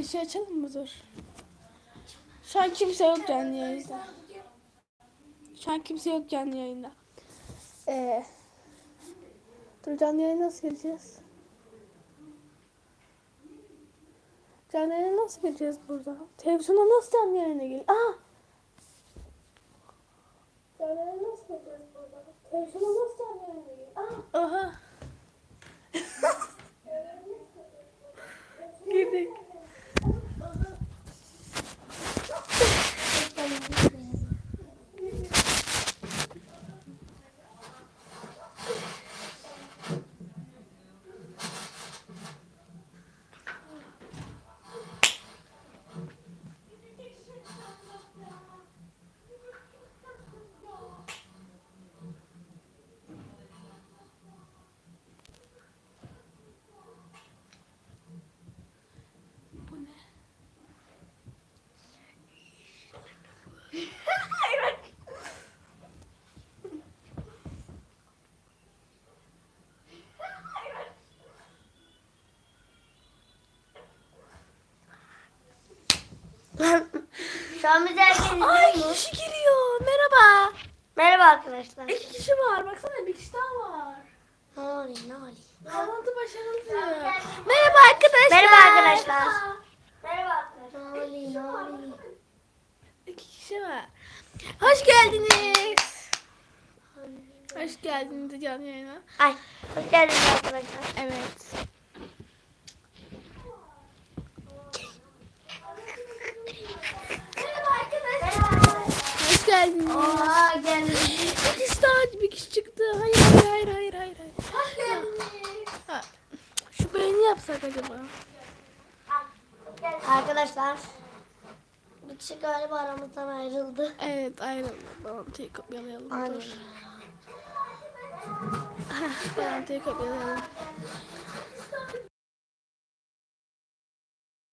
Afişi açalım mı? Dur. Şu an kimse yok canlı yayında. Şu an kimse yok canlı yayında. Dur, canlı yayına nasıl gireceğiz? Canlı yayına nasıl gireceğiz burada? Televizyona nasıl canlı yayına gir? Aa! Canlı yayına nasıl gireceğiz burada? Televizyona nasıl canlı yayına gir? Aa! Oha! Girdik. Bu ne? Şu an bize herkes Ay, izliyor mu? kişi giriyor. Merhaba. Merhaba arkadaşlar. 2 kişi var. Baksana, bir kişi daha var. Ne oluyor? Bağlantı başarılı diyor. Merhaba arkadaşlar. Merhaba arkadaşlar. Merhaba arkadaşlar. Ne oluyor? 2 kişi var. Hoş geldiniz. Hoş geldiniz canlı yayına. Ay, hoş geldiniz arkadaşlar. Evet. Merhaba arkadaşlar. Hoş geldiniz. Oha geldiniz. Bir kişi daha, bir kişi çıktı. Hayır. Hoş geldiniz. Ha, şu beğeni yapsak acaba? Arkadaşlar. Bir kişi galiba aramızdan ayrıldı. Evet, ayrıldı. Bağlantıyı kopyalayalım. Aynen. Dur. Bağlantıyı kopyalayalım.